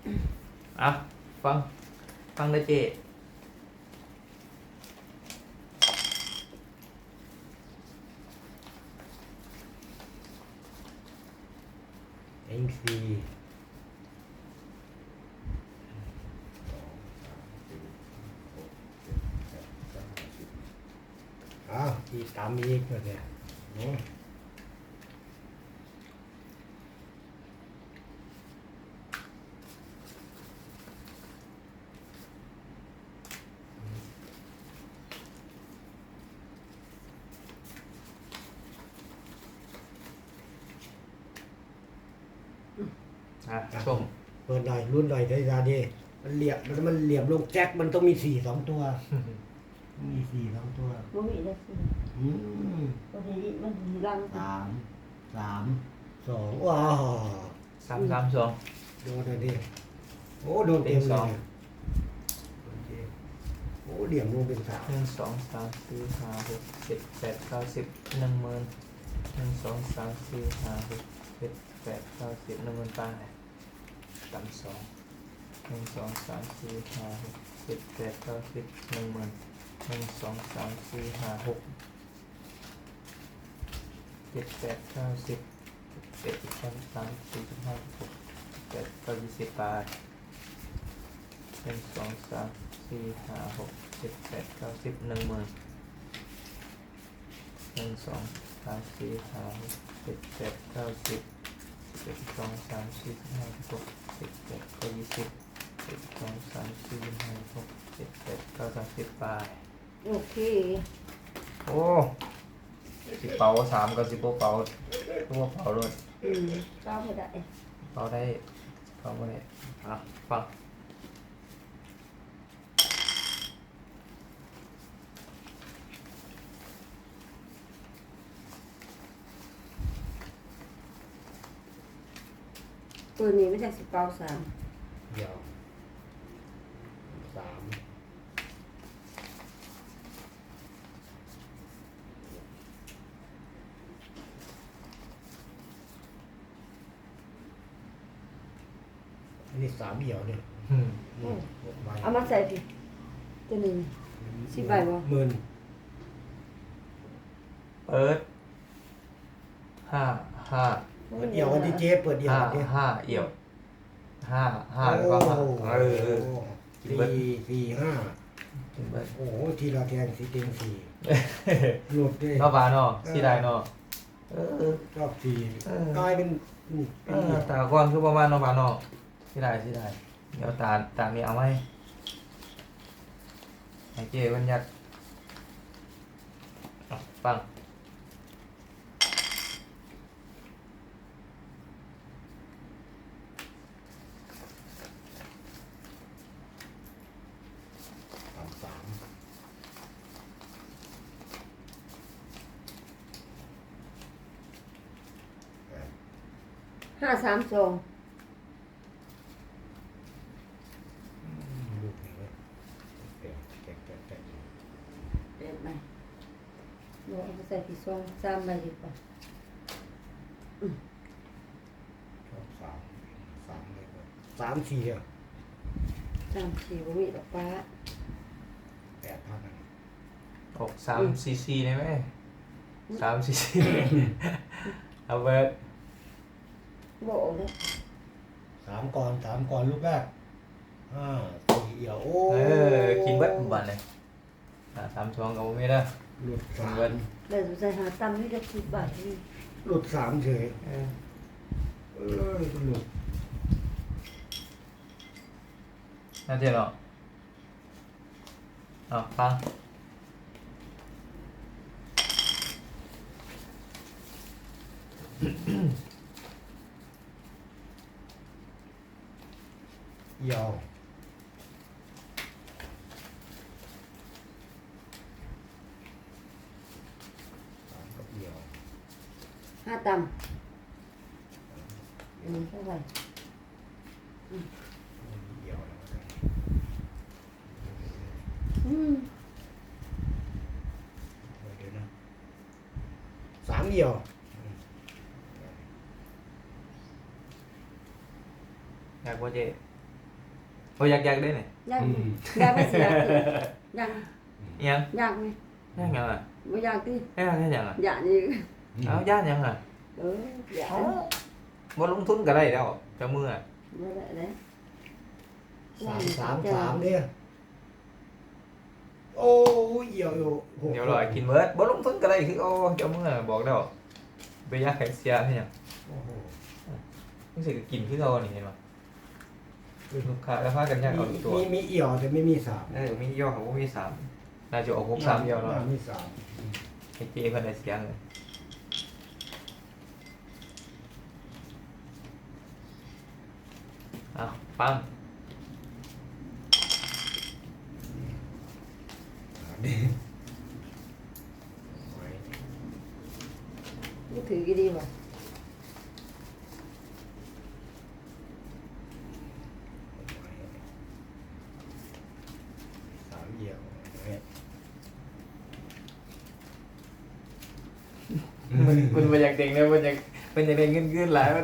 อ่ะฟังฟังเลยเจเอ็งสี่อ้าวอีกตามอีกเนี่ยโอ้อ่ะชมเปิดหน่อยรุ่นหน่อยได้ยาดีมันเหลี่ยมมันเหลี่ยมลงแจ็คมันต้องมีสี่สองตัว มีสี่สองตัวบ่มีเลยสิอืมบ่ได้มันรังสามสองว้าว 3-3-2 โดนเลยดิโอ้โดนเต็มเป็นสเลองยโดนเต็มโอ้เหลี่ยมลงเป็นสาม 1 2 3 4 5 6 7 8 9 10 10,000 1 2 3 4 5 6 7 8 9 10 10,000ไปต่ำ2 1 2 3 4 5 6 7 8 9 10 10,000 1 2 3 4 5 6 7 8 9 10 11 12 13 14 15 16 17 18 19 20ไป1 2 3 4 5 6 7 8 9 10 10,000 1 2 3 4 5 6 7 8 9 10 11 12 13 14 15 16 17 18 19 20ไปโอเคโอ้สิเป่า3กับ10เป่าตัวเป่าเลยก็ไม่ได้เป่าได้เป่าไม่ได้อ่ะฟังตัวนี้ไม่ใช่สิเปาสามเดี๋ยวสามอันนี้สามเหี่ยวเนี่ยอืมนี่หกใบเอามาใส่พี่ตัวนี้ สิบใบบ่หมื่นเปิดห้าเปิดเดี่ยวกันที่เจ๊เปิดเดี่ยวห้ากันที่ห้าเอี่ยวห้าแล้วก็ห้าโอ้กินเบิดสี่ห้ากินเบิดโอ้โหทีละแทงสีเต็งสี่หลุดด้วยนอกบานเนาะสีได้เนาะเออรอบสี่เออกลายเป็นนี่เอเป็นเหี่อยวตาก้อนคือประมาณนอกบานเนาะสีได้เดี๋ยวตานี้เอาไหมให้เจ๊บัญญัติอ่ะฟังสามสาม 532 ลูกนี่เว้ยแตกเด็ดไหมเดี๋ยวเอาไปใส่ที่ซอง3ใบดีกว่าชอบสามสามเลยเว้ยสามสี่อ่ะ 3 4บ่มีดอกฟ้า 8,000อ่ะออก3 cc ได้ไหม3 cc เอาเบิดบ่ออกเลยสามก่อนลูกแรกสี่เหี่ยวโอ้กินเบิดบัดเลย3 2กับผมไม่ได้หลุดกิสาน มเบิดแล้วจะใส่หาตั้มนี่จะ10บาทนี่หลุดสามเฉยเออหลุดน่าเจ๊เนาะอ่ะฟังเหี่ยวสามกับเหี่ยว 5ตั้มอันนี้เท่าไหร่เหี่ยวแล้วกัน เดี๋ยวนะสามเหี่ยวอยากว่าเจ๊โอ้ยอยากได้เนี่ยยังยังไม่เสียยังยังยังไหมยังยังอ่ะไม่ยังที่ยังยังอ่ะ dạ như เอาย่านยังอ่ะ dạ บ่ลงทุนก็ได้แล้วเจ้ามืออ่ะ với lại đấy 3 เนี่ยโอ้ยเหี่ยวอยู่โอ้โหเดี๋ยวรอกินเบิดบ่ลงทุนก็ได้คือโอ้เจ้ามืออะบอกแล้วไปยากแข็งเสียให้หยังโอ้โหรู้สึกกินคือเรานี่เห็นป่ะลูกค้าแล้วพากันยากเอาตัวมีเหี่ยวแต่ไม่มีสามมีย่อของมีสามน่าจะออกหกสามเดียวเนาะมีสามไอ้เจ๊เพิ่นได้เสียงเลยเอาปัง cái thử cái đi mà สามเหี่ยวมันมาอยากเด็กเนี่ยมันอยากได้เงินหลายมัน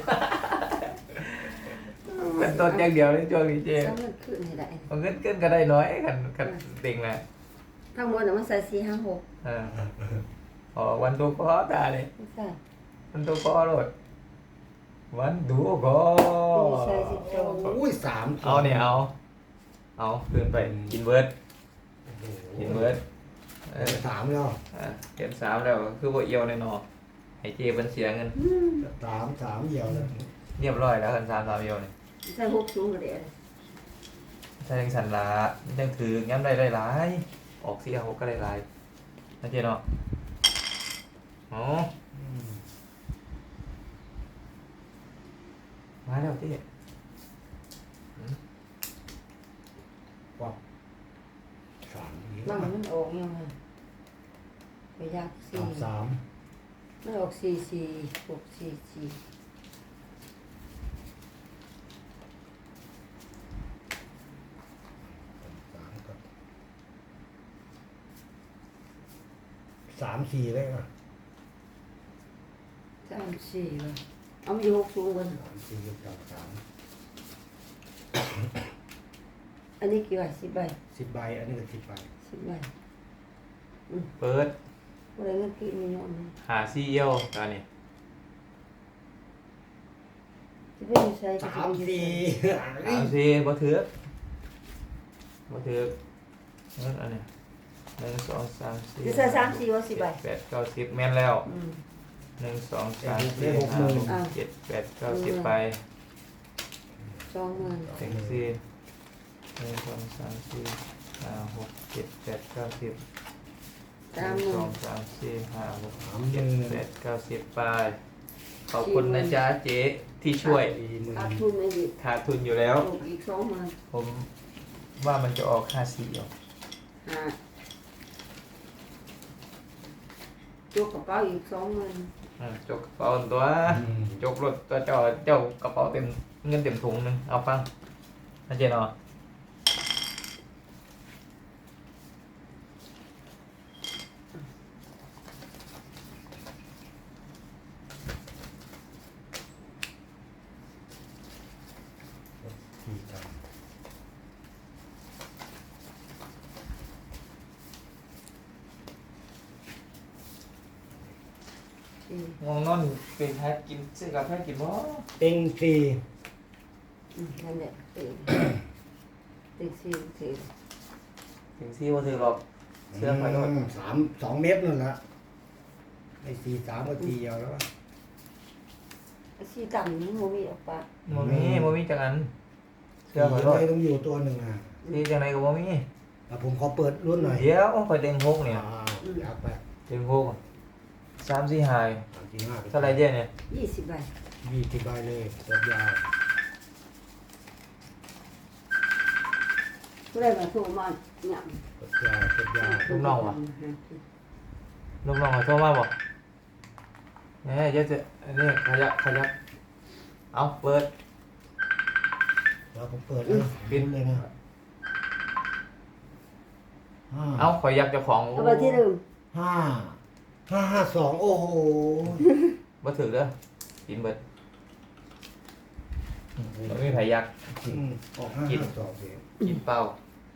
มันต้นอย่างเดียวเลยช่วงนี้เจ๊ sao nó cứ này đại เอาเงินก็ได้น้อยกันเด็กแหละ thằng mua là nó xài xì hàng hộp เอออ๋อวันดูก็ตาเลย không phải วันดูก็โลดวันดูก็ đi xài xì trâu อุ้ยสามเอาเนี่ยเอาคืนไปกินเบิร์ดโอ้โหกินเบิร์ดเออสามแล้วเก็บสามแล้วคือว่าเอียวในนอให้เจมันเสียเงินสามเหี่ยวแล้วเรียบร้อยแล้วกันสามเอียวเนี่ย xài hộp xuống rồi để ถ้ายังสันละยังถือย้ำได้หลายออกเสียหกก็ได้หลายนะเจเนาะอ๋อมาแล้วเจ๊ป๊อกสามเหี่ยว bằng nó ổn nhau mà phải ra xì สาม nó ổn xì xì hộp xì xì สามสี่เลยอ่ะ 3 xì rồi ông đi hộp xuống luôn สามสี่กับสาม anh đi kiểu 10 bài 10 ใบอันนี้ก็10 ใบ 10 bài เปิด có đấy nó kỹ mình nhọn này หาซีเอียวตอนนี้ chứ bây giờ xài สา cái ม gì สี่สามซีบ่ถือนั่นอันนี้หนึ่งสองสามสี่ cứ xài 3 xì vào 10 bài แปดเก้าสิบแม่นแล้ว ừ. หนึ่งสองสามสี่ห้าหกเจ็ดแปดเก้าสิบไป cho người เต็งสี่หนึ่งสองสามสี่ห้าหกเจ็ดแปดเก้าสิบหนึ่งสองสามสี่ห้าหกเจ็ดแปดเก้าสิบไปขอบคุณนะจ๊ะเจ๊ที่ช่วย áp thun này gì ขาดทุนอยู่แล้ว hộp ít 60 ผมว่ามันจะออกค่าสี่ออก à chuột có bao ít 60 จกกระเป๋าตัวจกรถตัวเจ้ากระเป๋าเต็มเงินเต็มถุงหนึงเอาฟังนะเจ๊เนาะสี่ใบ ừ. ง่วงนอนเป็นแพ้กินซื้อกาแฟกินบ่เต็งสี่ Ừ, nhanh đấy ừ. Từ xì thì ถึงซี่บ่ถือหรอกเสื้อไฟรถ 2 เม็ดนั่นแหละไอ้สี่สามก็ตีเอาแล้ว xì tầm nó mua bị ốc bạc บ่มีจังอันเสื้อไฟรถไม่ต้องอยู่ตัวหนึ่งอ่ะที่จังไดก็บ่มีแต่ผมขอเปิดรุ่นหน่อยเดี๋ยวข่อยเต็งหกเนี่ยอยากไปเต็งหก3 4 5 3 4 5 เท่าไหร่เจ๊เนี่ย 20 bài 20 ใบเลยกดยาว cái đây mà thu mà nhậm กดยาวกดยาวลูกน้องวะ ลูกน้องขอโทรมาบ่เดี๋ยวจะอันนี้ขยับเอาเปิดแล้วผมเปิดนะปิดเลยนะเอาข่อยยักเจ้าของเอาไปที่เดิม 5 5 5 2 โอ้โหบ่ถือเด้อกินเบิดมันไม่ไผยักออก5 5 2สิกินเป้า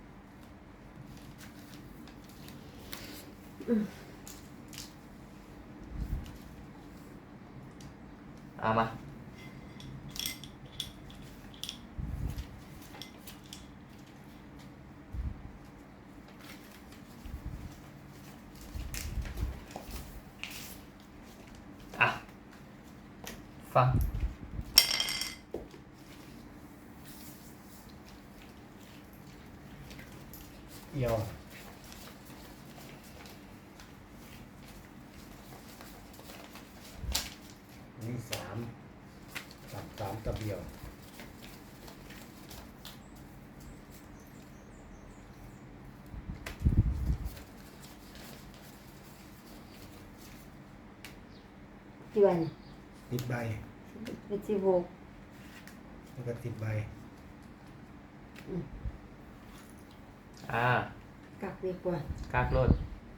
เอามาอ่ะฟังเอี่ยวนี่3 กับเอี่ยวกี่วัน 10 ใบเป็น16 แล้วก็10 ใบกักดีกว่ากากรถ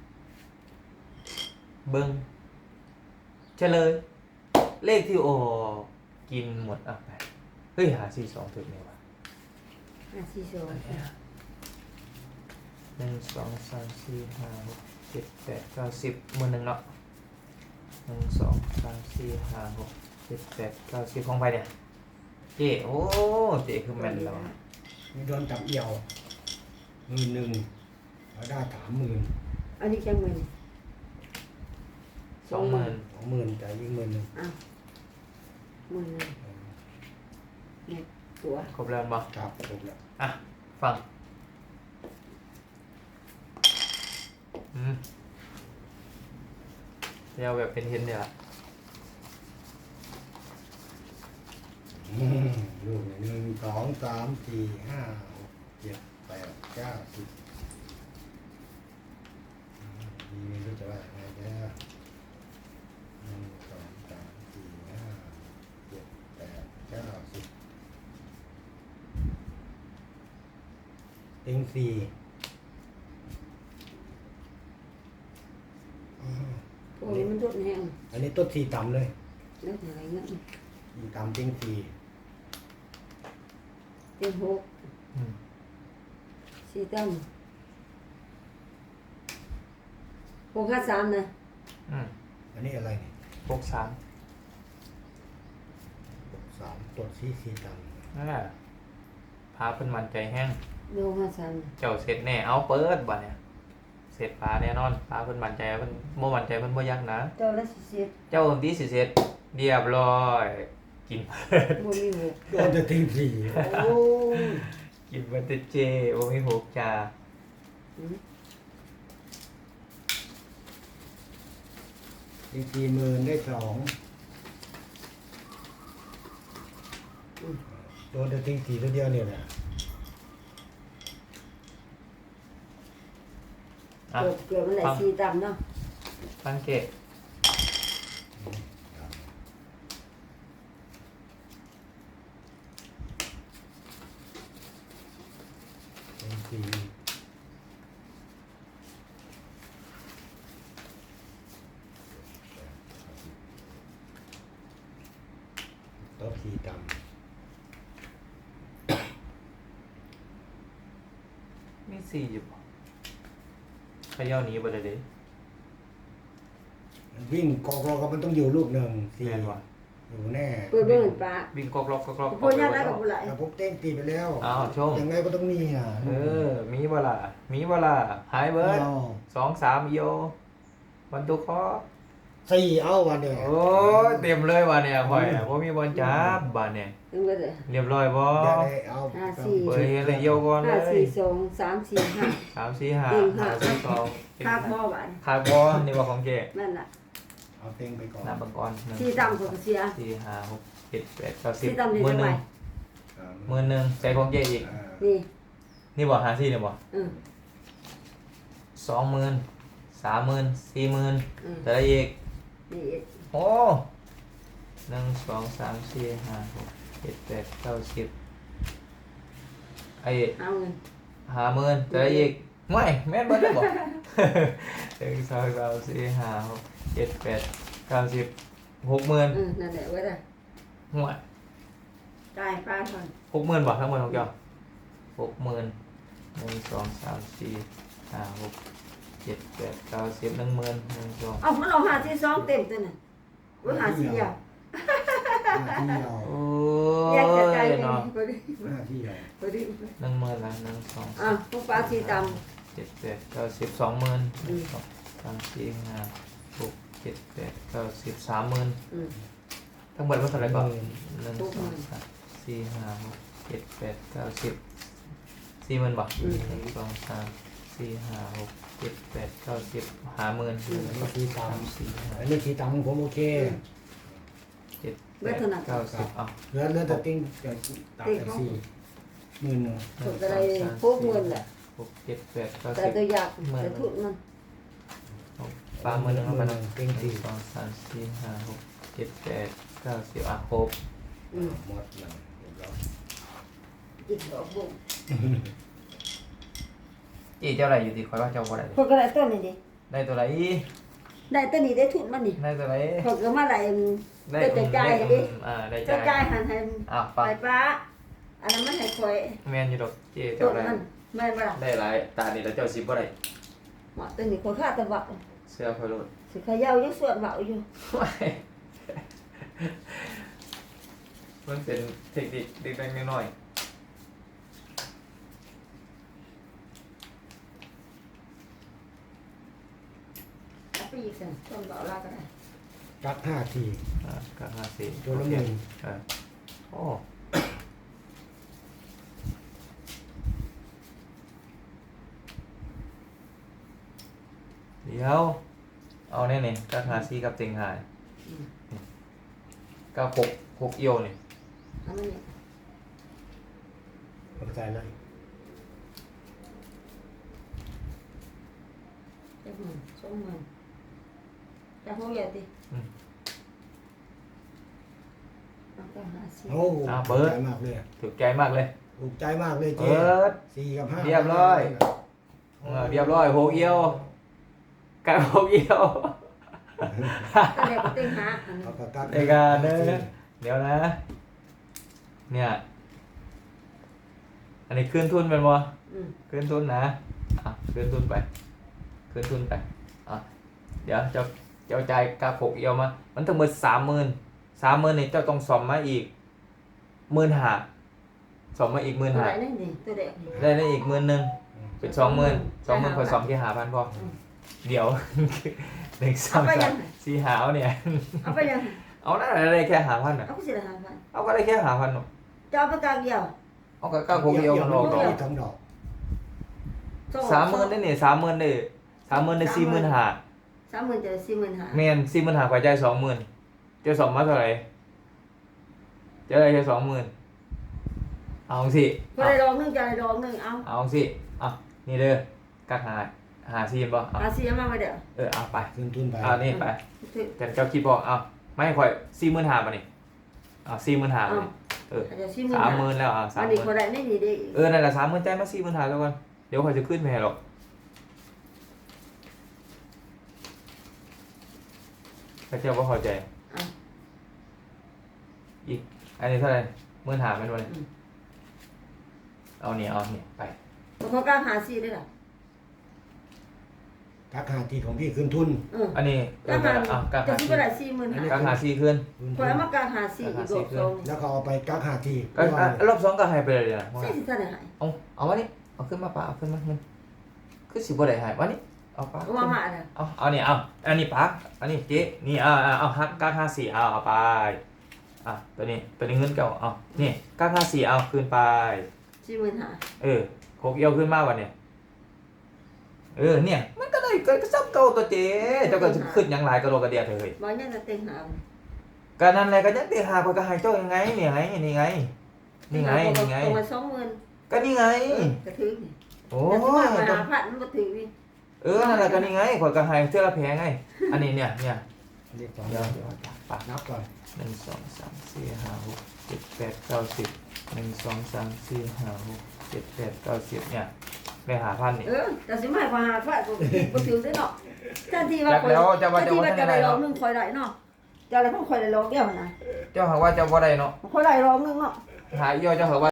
เบิ้งเฉลย เลขที่โออกกินหมดอ่ะไปเฮ้ยหา42ถึงไหมวะ 542 1 2 3 4 5 6 7 8 9 10มือหนึ่งเนาะ1 2 3 4 5 6 7 8 9 10ของไปเนี่ยเจ๊โอ้เจ๊คือแม่นแล้วอะมีโดนจับเอี่ยว11,000แล้วได้30,000 อันนี้จังมื้อ 20,000 20,000แต่อีก10,000 อ้าวมื้อนึงเนี่ยตัวครบแล้วบ่ครับครบแล้วอ่ะฟังเดี๋ยวแบบเป็นเห็นเนี่ยละลูก1 2 3 4 5 6 7 8 9 10ดีไม่รู้จะว่ายังไงจะ1 2 3 4 5 7 8 9 10เต็ง4 พวกนี้มันรดแห้งอันนี้ต้น4ต่ำเลยแล้วอะไรเงี้ย 4ต่ำเต็ง4 เต็ม6 อืม 4ตั้ม653นะอันนี้อะไรเนี่ย 63 3ต้น4ต่ำนั่นแหละพาเพิ่นมันใจแห้งโล53 เจ้าเสร็จแน่เอาเปิดบ่เนี่ยเสร็จพาแน่นอนพาเพิ่นมันใจเพิ่นบ่มันใจเพิ่นบ่ยักนะเจ้าละสิบเจ้าดีสิเสร็จเรียบร้อยกินเปิดบ่มีหกโดนจะเต็ง4โอ้ยกินเบิดแต่เจบ่มีหกจ้าอืมเต็ง40,000ได้2โดนจะเต็ง4ตัวเดียวเนี่ยนะอ่ะเกือบมันแหละ4ตั้มเนาะสังเกตเต็ง4ตบ4ต่ำมี4อยู่บ่เขย่าหนีบ่ได้เด้มันวิ่งกอกๆก็มันต้องอยู่ลูกหนึ่งสี่แม่นบ่อยู่แน่เปิดเบิ่งปลาวิ่งกอกล็อกกอกล็อกพวกนี้ได้กับผู้หลายแต่พวกเต้งตีไปแล้วอ้าวชมยังไงก็ต้องมีอ่ะมีบ่ล่ะมีบ่ล่ะหายเบิดเอา 2 3โยวันตุคอ 4เอาวันเดียวโอ้ยเต็มเลยว่ะเนี่ยข่อยอะบ่มีบอลจับบ่เนี่ยถึงก็ได้เรียบร้อยบ่อย่าได้เอาเปิดเฮ็ดเลยโยก่อนเลย 5 4 2 3 4 5 3 4 5 เต็งห้า 5 4 2 คาบบ่บาดคาร์บอนนี่ว่าของเจ๊นั่นล่ะเอาเต้งไปก่อนน้ำบังกร 4ตั้มก็เสีย 4 5 6 7 8 9 4ตั้ม 10 นี่มื้อจังหไดนึง มื้อหนึงใส่ของเจ๊อีกนี่นี่บ่54นี่บ่เออ 20,000 30,000 40,000 เออแต่ละอีกนี่อีกโอ้1 2 3 4 5 6 7 8 9 10ไอ้เอาเงิน 50,000แต่ละอีกง่วยแม่นเบิดเลยบ่ 1 2 3 4 5 6 7 8 9 10 60,000 นั่นแหละไว้ได้ห่วยจ่ายป้าก่อน 60,000บ่ทั้งหมดของเจ้า60,000 1 2 3 4 5 6 7 8 9 10 10,000 1 2 เอามันเอาหาที่สองเต็มตัวน่ะว่าหาสี่อ่ะหน้าที่เราโอ้แยกกระจายยเลยเนาะพอดีหน้าที่เราพอดี 10,000ละ1 2 อ่ะพวกป้าสีต 7 8 9 10 20,000 1 2 3 4 5 6 7 8 9 10 30,000 ำทั้งหมดมันเท่าไหร่ก่อน1 2 3 4 5 6 7 8 9 10 40,000บ่1 2 3 4 5 6 7 8 9 10 50,000 อันนี้ที่ตาม 4 อันนี้ที่ตามของผมโอเค 5 7 8 9 10เอาเหลือแต่ติ้งแต่ตามแต่สี่หมื่นหนึ่งถูกอะไรพวกเงินแหละ 6 7 8 9 แต่ตัวอยากแต่ทุนมัน 10ปลา1เข้าไปนะ1 2 3 4 5 6 7 8 9 10อ่ะครบหมดแล้วเรียบร้อยอีกดอกบุ้งอีเจ้าอะไรอยู่ดีคอยว่าเจ้าบ่ได้พวกอะไรต้นนี่ดิได้ตัวไหนได้ต้นนี้ได้ทุนมันนี่ได้ตัวไหนพวกก็มาไหลได้ได้จ่ายดิได้เจ้าจ่าจ่าย ยหันให้อ่ะไปฟังป้าอันนั้นมันให้คอยแมนอยู่ดอกเจ๊ต้เจ้าน ได้มันไม่มาละได้หลายตานี่แล้วเจ้าสิบ่ได้หมอต้นนี้คนฆ่าตะบักเสื้อคอยโลดสิขยาวยังสวดเบาอยู่มันเป็นเทคนิคเล็กๆน้อยเอาไปอีกสิต้นเบาลาก็ได้กักห้าทีๆก็54 ตัวละหมื่นโอ้เดี๋ยวเอาแน่นี่ก็54กับเต็งหายก็6เอียวนี่อันนั้นนี่เข้าใจนะจะหมื่นสองหมื่นจะหัวใหญ่ดิเอาก็หาสิโอ้ถูกใจมากเลยถูกใจมากเลยถูกใจมากเลยเจ๊เปิดสี่กับห้าเรียบร้อย เรียบร้อย6เอียวกัน6เอียวก็เลยไปเต็งหาอันนี้เอากระกักในการเด้อเดี๋ยวนะ เนี่ย อันนี้ขึ้นทุนเป็นบ่ ขึ้นทุนนะขึ้นทุนไปขึ้นทุนไปเดี๋ยวเจ้าจ่ายกา6เอียวมา มันทั้งหมด30,000นี่เจ้าต้องสอมมาอีก15,000สอมมาอีกตัว 15,000 ไหนนี่ดิตัวเด็กนี่ได้อีก10,000เป็น20,000คอยสอมที่5,000พอเดี๋ยว 1 2 3 4 5เนี่ยเอาไปยังเอาได้แค่5,000น่ะเอาไปสิละ5,000 เอาก็ได้แค่5,000น่ะจะเอาไปกลางเดียวเอาก็กา6เอียวมันออกดอกทำดอก 30,000ได้นี่30,000ได้30,000ได้45,000 30,000จะ45,000 แม่น45,000กว่าจ่าย20,000เจ้าสอมมาเท่าไหร่เจ้าได้แค่20,000เอาสิคนได้ดอกนึงจะได้ดอกนึงเอาเอาสินี่เด้อกักหาซีนบ่เอาหาสิเอามาเดี๋ยวเอาไปขึ้นทุนไปเอานี่ไปถึงแต่เจ้าคิดบ่เอาไม่ค่อย45,000ป่ะนี่45,000ป่ะนี่อาจจะ40,000 30,000แล้วอันนี้คน 30,000 ได้ไม่ดีเด้นั่นแหละ30,000จ่ายมา45,000แล้วกันเดี๋ยวค่อยจะขึ้นไปให้หรอกพระเจ้าบ่เข้าใจอีกอันนี้เท่าไหร่15,000แม่นบ่นี่เอานี่ไปเขากล้าหาสิได้ล่ะกักห้าทีของพี่ขึ้นทุนอันนี้กล้าหากักจะหาสิซีบ่ได้40,000 กักหาซีขึ้นคนเอามากล้าหาสิอีกดอกสองแล้วก็เอาไปกักห้าทีก็รอบ2ก็ให้ไปเลยนะใช่สิท่านได้หายเอาวะนี่เอาขึ้นมาปะเอาขึ้นมามันคือสิบ่ได้หายวะนี่เอาปะเอามาน่ะเอานี่อันนี้ปะอันนี้เจ๊นี่เอาฮักกัก54เอาไปตัวนี้เงินเก่านี่กัก54เอาขึ้นไป 45,000 6เอียวขึ้นมาวันเนี่ยเนี่ยมันก็ได้ก็ซับเก่าตัวเจ๊เจ้าก็ขึ้นยังหลายกระโดดกระเดียดเลยบ่ยังจะเต็งหาก็นั่นแหละก็ยังตีหาคนก็ให้เจ้ายังไงนี่ไงนี่ไงนี่ไงนี่ไงตรงมา20,000 ก็นี่ไงกระถึงนี่โอ้แต่ยมาหาพันมันบ่ถึงนี่นั่นแหละก็นี่ไงคนก็ให้เสื้อละแพงไงอันนี้เนี่ยเรียกสองเดี๋ยวปะนับก่อน 1 2 3 4 5 6 7 8 9 10 1 2 3 4 5 6 7 8 9 10เนี่ยได้5,000นี่แต่สิมาให้หาพันบ่ถึงได้เนาะทันทีว่าจักแล้วจะว่าจะว่าจะได้รองนึงคอยได้เนาะจะอะไรพวกคอยได้รองเดียวนะเจ้าหาว่าเจ้าบ่ได้เนาะคอยได้รองนึงเนาะหาย่อเจ้าเหรอว่า